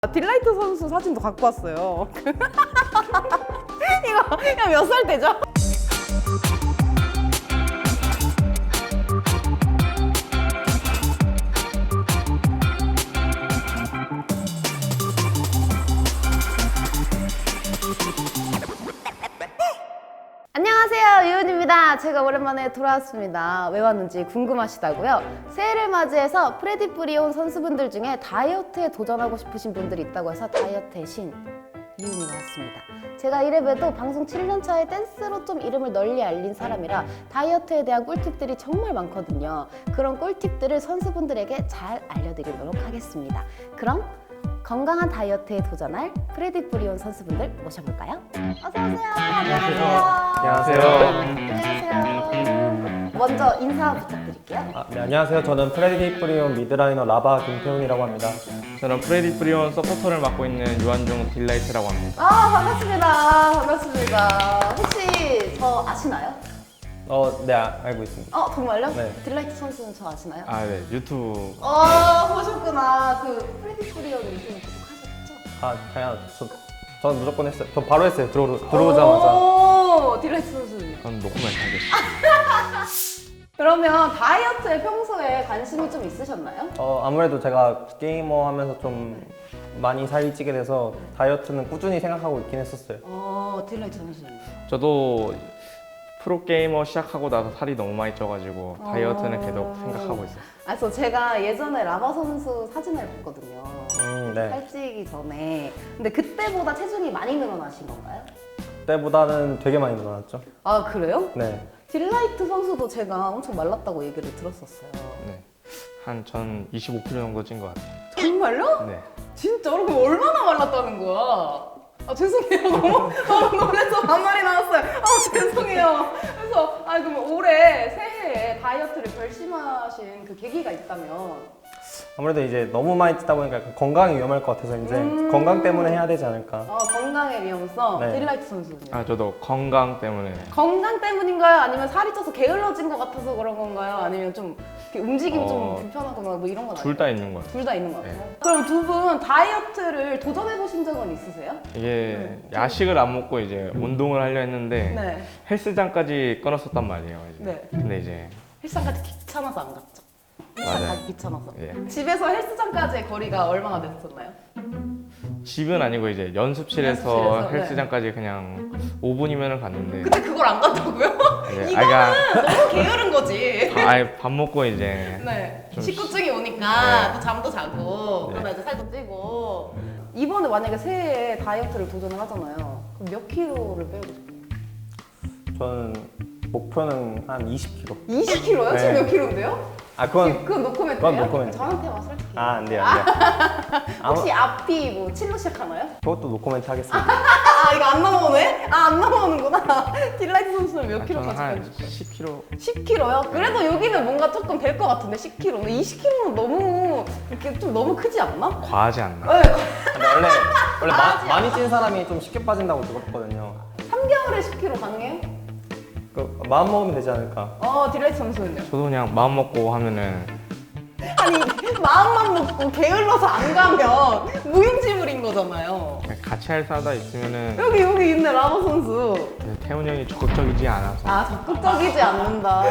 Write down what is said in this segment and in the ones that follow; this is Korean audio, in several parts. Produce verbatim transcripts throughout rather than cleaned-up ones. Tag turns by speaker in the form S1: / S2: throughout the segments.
S1: 딜라이트 선수 사진도 갖고 왔어요. 이거 이거 몇 살 때죠? 안녕하세요, 유은입니다. 제가 오랜만에 돌아왔습니다. 왜 왔는지 궁금하시다고요? 새해를 맞이해서 프레디 프리온 선수분들 중에 다이어트에 도전하고 싶으신 분들이 있다고 해서 다이어트의 신 유은이가 왔습니다. 제가 이래봬도 방송 칠 년 차에 댄스로 좀 이름을 널리 알린 사람이라 다이어트에 대한 꿀팁들이 정말 많거든요. 그런 꿀팁들을 선수분들에게 잘 알려드리도록 하겠습니다. 그럼 건강한 다이어트에 도전할 프레디 프리온 선수분들 모셔볼까요? 어서오세요. 안녕하세요.
S2: 안녕하세요.
S1: 안녕하세요. 먼저 인사 부탁드릴게요.
S2: 아, 네, 안녕하세요. 저는 프레디 프리온 미드라이너 라바 김태훈이라고 합니다.
S3: 저는 프레디 프리온 서포터를 맡고 있는 유한종 딜라이트라고 합니다.
S1: 아, 반갑습니다. 반갑습니다. 혹시 저 아시나요?
S2: 어, 네, 아, 알고 있습니다.
S1: 어, 정말요?
S2: 네.
S1: 딜라이트 선수는 저 아시나요?
S3: 아, 네. 유튜브.
S1: 어, 보셨구나. 그 프레디 프리온 유튜브 구독하셨죠?
S2: 아, 당연, 저, 저는 무조건 했어요. 저 바로 했어요. 들어, 들어오자마자.
S1: 오, 딜라이트 선수는.
S3: 그건 녹음을 하겠습니다.
S1: 그러면 다이어트에 평소에 관심이 좀 있으셨나요?
S2: 어, 아무래도 제가 게이머 하면서 좀 많이 살이 찌게 돼서 다이어트는 꾸준히 생각하고 있긴 했었어요.
S1: 어, 딜라이트 선수는.
S3: 저도 프로게이머 시작하고 나서 살이 너무 많이 쪄가지고 다이어트는 계속 생각하고 있어요.
S1: 아, 저 제가 예전에 라바 선수 사진을 봤거든요.
S2: 음, 네.
S1: 살찌기 전에. 근데 그때보다 체중이 많이 늘어나신 건가요?
S2: 그때보다는 되게 많이 늘어났죠.
S1: 아, 그래요?
S2: 네.
S1: 딜라이트 선수도 제가 엄청 말랐다고 얘기를 들었었어요.
S3: 네. 한 전 이십오 킬로그램 정도 찐 것 같아요.
S1: 정말요?
S3: 네.
S1: 진짜로? 그럼 얼마나 말랐다는 거야? 아, 죄송해요. 너무, 너무 놀라서 반말이 나왔어요. 아, 죄송해요. 그래서, 아, 그럼 올해 새해에 다이어트를 결심하신 그 계기가 있다면?
S2: 아무래도 이제 너무 많이 찌다 보니까 약간 건강이 위험할 것 같아서 이제
S1: 음.
S2: 건강 때문에 해야 되지 않을까.
S1: 어, 건강의 위험성.
S2: 네.
S1: 딜라이트 선수는요?
S3: 아, 저도 건강 때문에.
S1: 건강 때문인가요? 아니면 살이 쪄서 게을러진 것 같아서 그런 건가요? 아니면 좀 이렇게 움직임 좀
S3: 어,
S1: 불편하거나 뭐 이런 건
S3: 둘 다 있는 것 같아요.
S1: 둘 다 있는 것 같아요.
S3: 네.
S1: 그럼 두 분 다이어트를 도전해 보신 적은 있으세요?
S3: 이게 야식을 안 먹고 이제 운동을 하려 했는데
S1: 네.
S3: 헬스장까지 끊었었단 말이에요. 이제.
S1: 네.
S3: 근데 이제
S1: 헬스장까지 귀찮아서 안 갔죠. 헬스장
S3: 맞아요.
S1: 가기 귀찮아서.
S3: 예.
S1: 집에서 헬스장까지의 거리가 얼마나 됐었나요?
S3: 집은 아니고 이제 연습실에서,
S1: 연습실에서, 네.
S3: 헬스장까지 그냥 오 분이면 갔는데
S1: 근데 그걸 안 갔다고요?
S3: 네,
S1: 이거는
S3: 아이가-
S1: 너무 게으른 거지.
S3: 아예 밥 먹고 이제
S1: 네.
S3: 좀
S1: 식구증이 오니까
S3: 네.
S1: 또 잠도 자고
S3: 네.
S1: 그러다 이제 살도 찌고 이번에 만약에 새해에 다이어트를 도전을 하잖아요. 그럼 몇 킬로를 빼고 싶어요?
S2: 저는 목표는 한 이십 킬로그램.
S1: 이십 킬로요? 지금
S2: 네.
S1: 몇 킬로인데요?
S2: 아, 그건,
S1: 그건 노코멘트예요?
S2: 그건 노코멘트.
S1: 저한테만 솔직히.
S2: 아, 안 돼요, 안 돼요. 아무-
S1: 혹시 앞이 뭐 칠로 시작하나요?
S2: 그것도 노코멘트 하겠습니다.
S1: 아, 이거 안 넘어오네? 아, 안 넘어오는구나. 딜라이트 선수는 몇
S3: 아, 저는
S1: 킬로까지 빼고
S3: 한
S1: 싶어요?
S3: 십 킬로그램.
S1: 십 킬로요? 그래도 여기는 뭔가 조금 될 것 같은데 십 킬로. 근데 이십 킬로는 너무 이렇게 좀 너무 크지 않나?
S3: 과하지 않나?
S1: 네.
S2: 근데 원래, 원래 마,
S1: 아직
S2: 많이 찐 사람이 좀 쉽게 빠진다고 들었거든요.
S1: 삼 개월에 십 킬로 가능해요?
S2: 그, 마음 먹으면 되지 않을까.
S1: 어, 딜라이트 선수는요?
S3: 저도 그냥 마음 먹고 하면은
S1: 아니, 마음만 먹고 게을러서 안 가면 무용지물인 거잖아요.
S3: 그냥 같이 할 사다 있으면은
S1: 여기 여기 있네, 라바 선수.
S3: 태훈 형이 적극적이지 않아서
S1: 아, 적극적이지 않는다.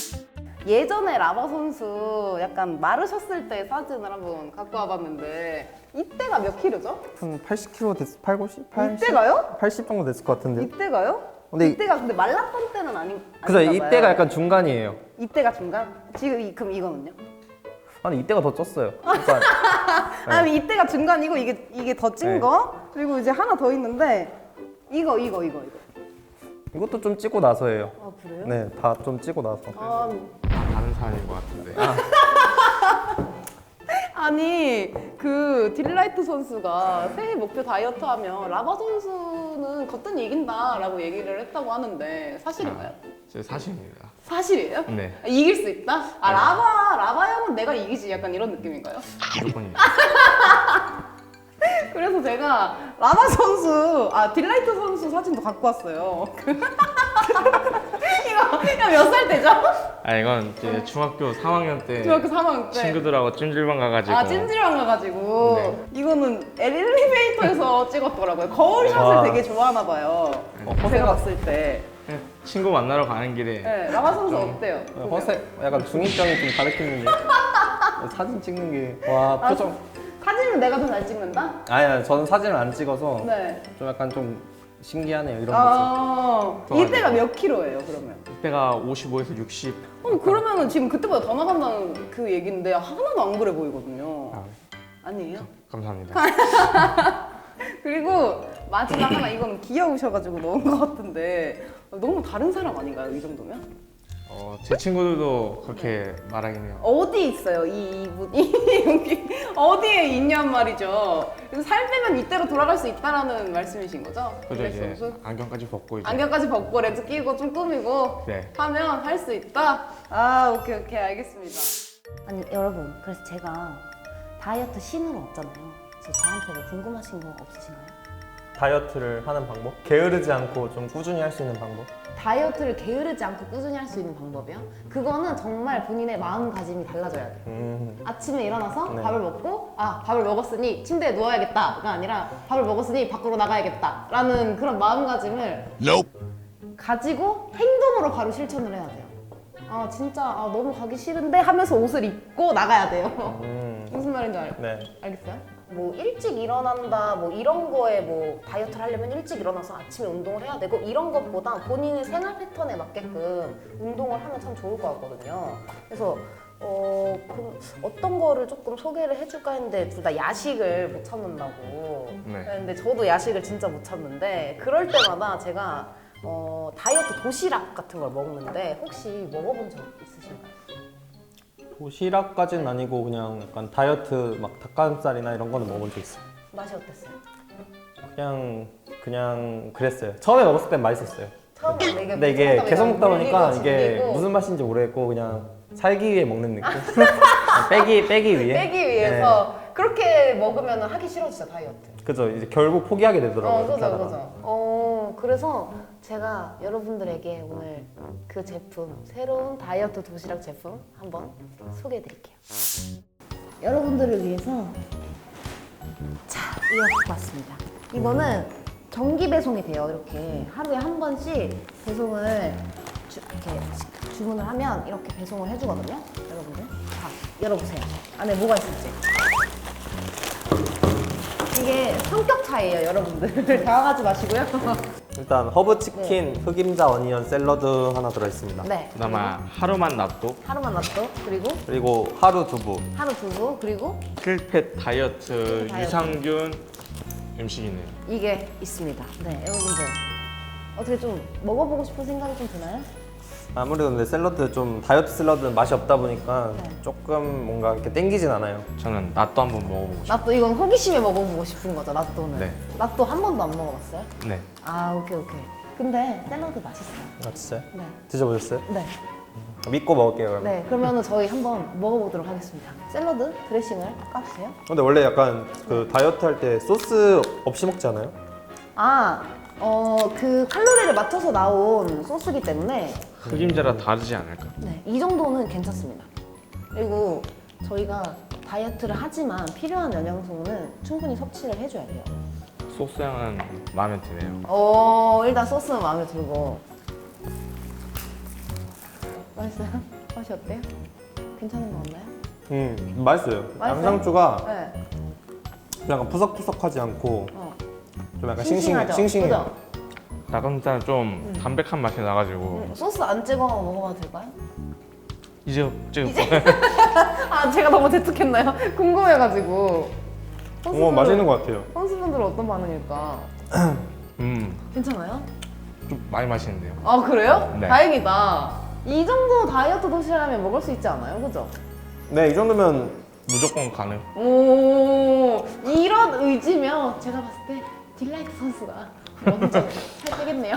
S1: 예전에 라바 선수 약간 마르셨을 때 사진을 한번 갖고 와봤는데 이때가 몇 킬로죠?
S2: 한 팔십 킬로그램 됐, 팔십? 팔십?
S1: 이때가요?
S2: 팔십 정도 됐을 것 같은데.
S1: 이때가요?
S2: 근데 이-
S1: 이때가 근데 말랐던 때는 아니
S2: 그래서
S1: 아닌가
S2: 이때가
S1: 봐요.
S2: 약간 중간이에요.
S1: 이때가 중간? 지금 이, 그럼 이거는요?
S2: 아니, 이때가 더 쪘어요. 그러니까
S1: 아니 이때가 중간이고 이게 이게 더 찐
S2: 네.
S1: 거? 그리고 이제 하나 더 있는데 이거 이거 이거 이거.
S2: 이것도 좀 찌고 나서예요.
S1: 아, 그래요?
S2: 네, 다 좀 찌고 나서.
S1: 아,
S3: 다른 사람인 것 같은데.
S1: 아니 그 딜라이트 선수가 새해 목표 다이어트 하면 라바 선수는 거뜬히 이긴다라고 얘기를 했다고 하는데 사실인가요?
S3: 제 사실입니다.
S1: 사실이에요?
S3: 네.
S1: 아, 이길 수 있다? 아
S3: 네.
S1: 라바 라바 형은 내가 이기지 약간 이런 느낌인가요?
S3: 무조건이에요.
S1: 그래서 제가 라바 선수 아 딜라이트 선수 사진도 갖고 왔어요. 이거 몇 살 때죠?
S3: 아 이건 이제 중학교 삼 학년 때
S1: 중학교 삼 학년 때.
S3: 친구들하고 찜질방 가가지고
S1: 아 찜질방 가가지고
S3: 네.
S1: 이거는 엘리베이터에서 찍었더라고요. 거울샷을
S2: 와.
S1: 되게 좋아하나 봐요.
S2: 어,
S1: 제가
S2: 허세가
S1: 봤을 때.
S3: 그냥 친구 만나러 가는 길에
S1: 네, 라마 선수 어때요?
S2: 허세 약간 중이병이 좀 가르치는데 사진 찍는 게 와
S1: 아,
S2: 표정.
S1: 사진은 내가 더 잘 찍는다?
S2: 아니야 저는 사진을 안 찍어서
S1: 네.
S2: 좀 약간 좀 신기하네요 이런 모습.
S1: 아,
S3: 좋아요.
S1: 이때가 몇 킬로예요 그러면?
S3: 이때가 오십오에서 육십.
S1: 어, 그러면은 지금 그때보다 더 나간다는 그 얘기인데 하나도 안 그래 보이거든요.
S3: 아,
S1: 아니에요?
S3: 감사합니다.
S1: 그리고 마지막 하나 이거는 귀여우셔가지고 넣은 것 같은데 너무 다른 사람 아닌가요 이 정도면?
S3: 어, 제 친구들도 그렇게 말하긴 해요.
S1: 어디 있어요 이 이분이 여기 어디에 있냔 말이죠. 그래서 살 빼면 이때로 돌아갈 수 있다라는 말씀이신 거죠?
S3: 그죠
S1: 블랙
S3: 이제
S1: 선수?
S3: 안경까지 벗고 이제
S1: 안경까지 벗고 렌즈 끼고 좀 꾸미고
S3: 네.
S1: 하면 할 수 있다? 아 오케이 오케이 알겠습니다. 아니 여러분 그래서 제가 다이어트 신으로 왔잖아요. 그래서 저한테 뭐 궁금하신 거 없으신가요?
S2: 다이어트를 하는 방법? 게으르지 않고 좀 꾸준히 할 수 있는 방법?
S1: 다이어트를 게으르지 않고 꾸준히 할 수 있는 방법이요? 그거는 정말 본인의 마음가짐이 달라져야 돼요.
S2: 음.
S1: 아침에 일어나서
S2: 네.
S1: 밥을 먹고 아 밥을 먹었으니 침대에 누워야겠다가 아니라 밥을 먹었으니 밖으로 나가야겠다라는 그런 마음가짐을 가지고 행동으로 바로 실천을 해야 돼요. 아 진짜 아, 너무 가기 싫은데 하면서 옷을 입고 나가야 돼요.
S2: 음.
S1: 무슨 말인지 알,
S2: 네.
S1: 알겠어요? 뭐 일찍 일어난다 뭐 이런 거에 뭐 다이어트를 하려면 일찍 일어나서 아침에 운동을 해야 되고 이런 것보다 본인의 생활 패턴에 맞게끔 운동을 하면 참 좋을 것 같거든요. 그래서 어 그럼 어떤 거를 조금 소개를 해줄까 했는데 둘 다 야식을 못 참는다고.
S3: 네.
S1: 근데 저도 야식을 진짜 못 참는데 그럴 때마다 제가 어 다이어트 도시락 같은 걸 먹는데 혹시 먹어본 적 있으신가요?
S2: 도시락까지는 아니고 그냥 약간 다이어트 막 닭가슴살이나 이런 거는 먹어본 적 있어요.
S1: 맛이 어땠어요?
S2: 그냥 그냥 그랬어요. 처음에 먹었을 땐 맛있었어요.
S1: 처음 먹는 게
S2: 근데 이게 계속 먹다 보니까
S1: 물리고
S2: 이게
S1: 질리고
S2: 무슨 맛인지 모르겠고 그냥 살기 위해 먹는 느낌. 빼기 빼기 위해.
S1: 빼기 위해서 그렇게 먹으면 하기 싫어지죠 다이어트.
S2: 네. 그죠. 이제 결국 포기하게 되더라고요.
S1: 어,
S2: 그렇게
S1: 그죠,
S2: 하다가.
S1: 그죠. 어, 그래서 제가 여러분들에게 오늘 그 제품, 새로운 다이어트 도시락 제품 한번 소개해 드릴게요. 여러분들을 위해서 자, 이거 갖고 왔습니다. 이거는 정기 배송이 돼요. 이렇게 하루에 한 번씩 배송을 주, 이렇게 주문을 하면 이렇게 배송을 해주거든요. 여러분들. 자, 열어보세요. 안에 뭐가 있을지. 이게 성격 차이예요, 여러분들. 당황하지 마시고요.
S2: 일단 허브 치킨, 흑임자 어니언 샐러드 하나 들어 있습니다.
S1: 네.
S3: 그다음에 하루만 놔둬
S1: 하루만 놔둬. 그리고
S2: 그리고 하루 두부.
S1: 하루 두부. 그리고
S3: 킬펫 다이어트
S1: 다이어트.
S3: 유산균 음식이네요.
S1: 이게 있습니다. 네, 여러분들. 어떻게 좀 먹어보고 싶은 생각이 좀 드나요?
S2: 아무래도 근데 샐러드 좀 다이어트 샐러드는 맛이 없다 보니까
S1: 네.
S2: 조금 뭔가 이렇게 땡기진 않아요.
S3: 저는 낫도 한번 먹어보고 싶어요.
S1: 낫또 이건 호기심에 먹어보고 싶은 거죠, 낫또는.
S3: 네.
S1: 낫또 한 번도 안 먹어봤어요?
S3: 네.
S1: 아, 오케이, 오케이. 근데 샐러드 맛있어요.
S2: 아 진짜요?
S1: 네.
S2: 드셔보셨어요?
S1: 네.
S2: 믿고 먹을게요 그러면.
S1: 네, 그러면은 저희 한번 먹어보도록 하겠습니다. 샐러드 드레싱을 까주세요.
S2: 근데 원래 약간 그 다이어트 할 때 소스 없이 먹지 않아요?
S1: 아, 어, 그 칼로리를 맞춰서 나온 소스기 때문에
S3: 흑임자라 다르지 않을까?
S1: 네, 이 정도는 괜찮습니다. 그리고 저희가 다이어트를 하지만 필요한 영양소는 충분히 섭취를 해줘야 돼요.
S3: 소스 향은 마음에 드네요.
S1: 어, 일단 소스는 마음에 들고. 맛있어요? 맛이 어때요? 괜찮은 거 없나요?
S2: 음 맛있어요.
S1: 맛있어요?
S2: 양상추가
S1: 네.
S2: 약간 푸석푸석하지 않고
S1: 어.
S2: 좀 약간 싱싱해,
S1: 싱싱하죠?
S2: 싱싱해요.
S1: 그죠?
S3: 닭가슴살은 좀 담백한 맛이 나가지고
S1: 음, 소스 안 찍어 먹어봐도 될까요?
S3: 이제 지금
S1: 아, 제가 너무 재촉했나요? 궁금해가지고.
S2: 오 맛있는 것 같아요.
S1: 선수분들은 어떤 반응일까?
S3: 음,
S1: 괜찮아요?
S3: 좀 많이 맛있는데요.
S1: 아, 그래요?
S3: 네.
S1: 다행이다. 이 정도 다이어트 도시락이면 먹을 수 있지 않아요? 그죠?
S2: 네 이 정도면
S3: 무조건 가능.
S1: 오, 이런 의지면 제가 봤을 때 딜라이트 선수가 먼저 살 빼겠네요.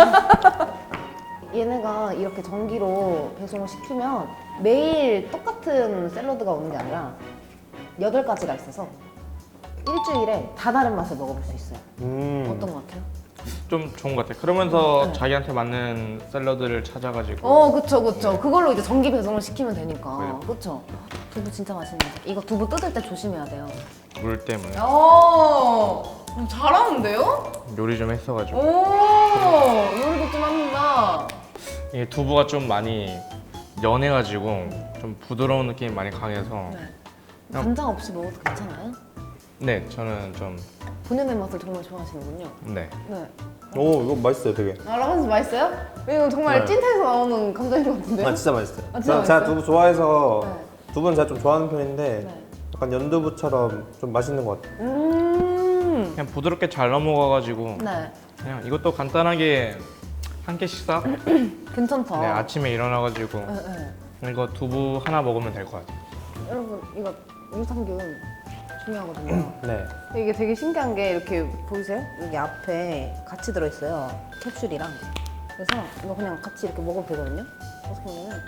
S1: 얘네가 이렇게 전기로 배송을 시키면 매일 똑같은 샐러드가 오는 게 아니라 여덟 가지가 있어서 일주일에 다 다른 맛을 먹어볼 수 있어요.
S2: 음
S1: 어떤 것 같아요?
S3: 좀 좋은 것 같아요. 그러면서
S1: 네.
S3: 자기한테 맞는 샐러드를 찾아가지고
S1: 어, 그쵸, 그쵸.
S3: 네.
S1: 그걸로 이제 전기 배송을 시키면 되니까.
S3: 네.
S1: 그쵸. 두부 진짜 맛있는데. 이거 두부 뜯을 때 조심해야 돼요.
S3: 물 때문에
S1: 오, 잘하는데요?
S3: 요리 좀 했어가지고
S1: 오, 요리도 좀 합니다.
S3: 이게 두부가 좀 많이 연해가지고 좀 부드러운 느낌이 많이 강해서
S1: 네. 간장 없이 먹어도 괜찮아요?
S3: 네 저는 좀
S1: 본연의 맛을 정말 좋아하시는군요.
S3: 네.
S1: 네.
S2: 오 이거 맛있어요 되게.
S1: 아, 라면스 맛있어요? 이거 정말
S2: 네.
S1: 찐타에서 나오는 감자인 것 같은데요?
S2: 아 진짜 맛있어요.
S1: 아, 진짜
S2: 제가, 제가
S1: 맛있어요?
S2: 두부 좋아해서
S1: 네.
S2: 두부는 제가 좀 좋아하는 편인데
S1: 네.
S2: 약간 연두부처럼 좀 맛있는 것 같아요.
S1: 음.
S3: 그냥 부드럽게 잘 넘어가가지고
S1: 네.
S3: 그냥 이것도 간단하게 한 끼 식사
S1: 괜찮다.
S3: 네, 아침에 일어나가지고
S1: 네, 네.
S3: 이거 두부 하나 먹으면 될 것 같아요.
S1: 여러분, 이거 유산균 중요하거든요.
S2: 네.
S1: 이게 되게 신기한 게 이렇게 보이세요? 여기 앞에 같이 들어있어요. 캡슐이랑. 그래서 이거 그냥 같이 이렇게 먹어도 되거든요. 어떻게 보면은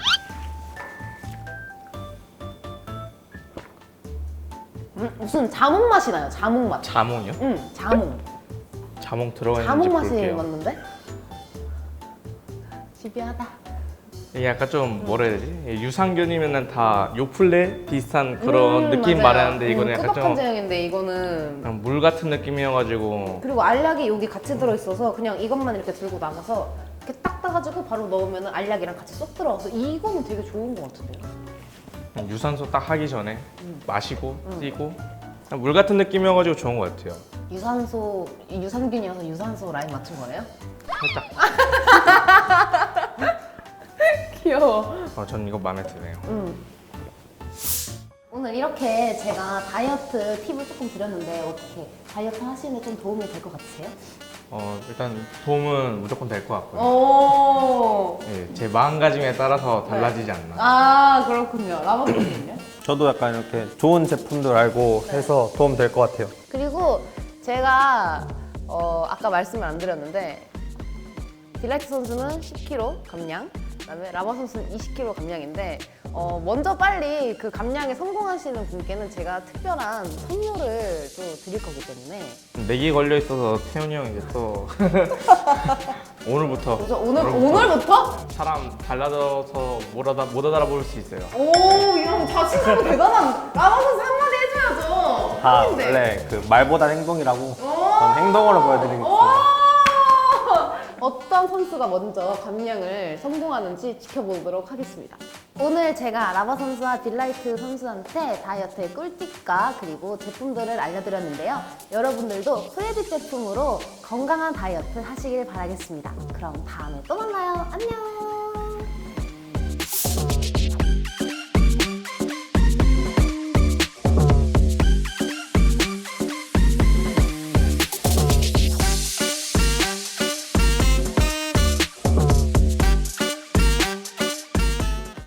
S1: 음, 무슨 자몽 맛이 나요. 자몽 맛.
S3: 자몽이요?
S1: 음, 자몽.
S3: 자몽 들어가 있는지
S1: 자몽 맛이
S3: 볼게요.
S1: 맞는데? 지비하다.
S3: 이게 약간 좀 뭐라 해야 되지? 유산균이면은 다 요플레 비슷한 그런
S1: 음,
S3: 느낌
S1: 맞아요.
S3: 말하는데 이거는
S1: 음,
S3: 약간
S1: 꾸덕한
S3: 좀
S1: 제형인데 이거는
S3: 그냥 물 같은 느낌이어가지고
S1: 그리고 알약이 여기 같이 들어있어서 그냥 이것만 이렇게 들고 나가서 이렇게 딱 따가지고 바로 넣으면 알약이랑 같이 쏙 들어가서 이거는 되게 좋은 것 같은데요?
S3: 그냥 유산소 딱 하기 전에
S1: 음.
S3: 마시고 뛰고 그냥 물 같은 느낌이어가지고 좋은 것 같아요.
S1: 유산소, 유산균이어서 유산소 라인 맞춘 거예요?
S3: 살짝
S1: 귀여워.
S3: 어, 전 이거 마음에 드네요.
S1: 음. 오늘 이렇게 제가 다이어트 팁을 조금 드렸는데 어떻게 다이어트 하시는데 좀 도움이 될 것 같으세요?
S3: 어, 일단 도움은 무조건 될 것
S1: 어.
S3: 같고요.
S1: 오.
S3: 예, 제 마음가짐에 따라서 달라지지 않나.
S1: 아, 그렇군요. 라마토는요?
S2: 저도 약간 이렇게 좋은 제품들 알고 해서 도움 될 것 같아요.
S1: 그리고 제가 어, 아까 말씀을 안 드렸는데 딜라이트 선수는 십 킬로그램 감량, 그다음에 라마 선수는 이십 킬로그램 감량인데 어, 먼저 빨리 그 감량에 성공하시는 분께는 제가 특별한 선물을 또 드릴 거기 때문에
S3: 내기 걸려 있어서 태훈이 형 이제 또 오늘부터
S1: 그래서 오늘 오늘부터
S3: 사람 달라져서 못 알아 못 알아볼 수 있어요.
S1: 오, 이런 자신감이 대단한 라마 선수 한마디 해줘야죠.
S2: 다
S1: 형인데.
S2: 원래 그 말보다 행동이라고
S1: 오.
S2: 저는 행동으로 보여드리겠습니다.
S1: 오! 어떤 선수가 먼저 감량을 성공하는지 지켜보도록 하겠습니다. 오늘 제가 라바 선수와 딜라이트 선수한테 다이어트의 꿀팁과 그리고 제품들을 알려드렸는데요. 여러분들도 프레디 제품으로 건강한 다이어트 하시길 바라겠습니다. 그럼 다음에 또 만나요. 안녕!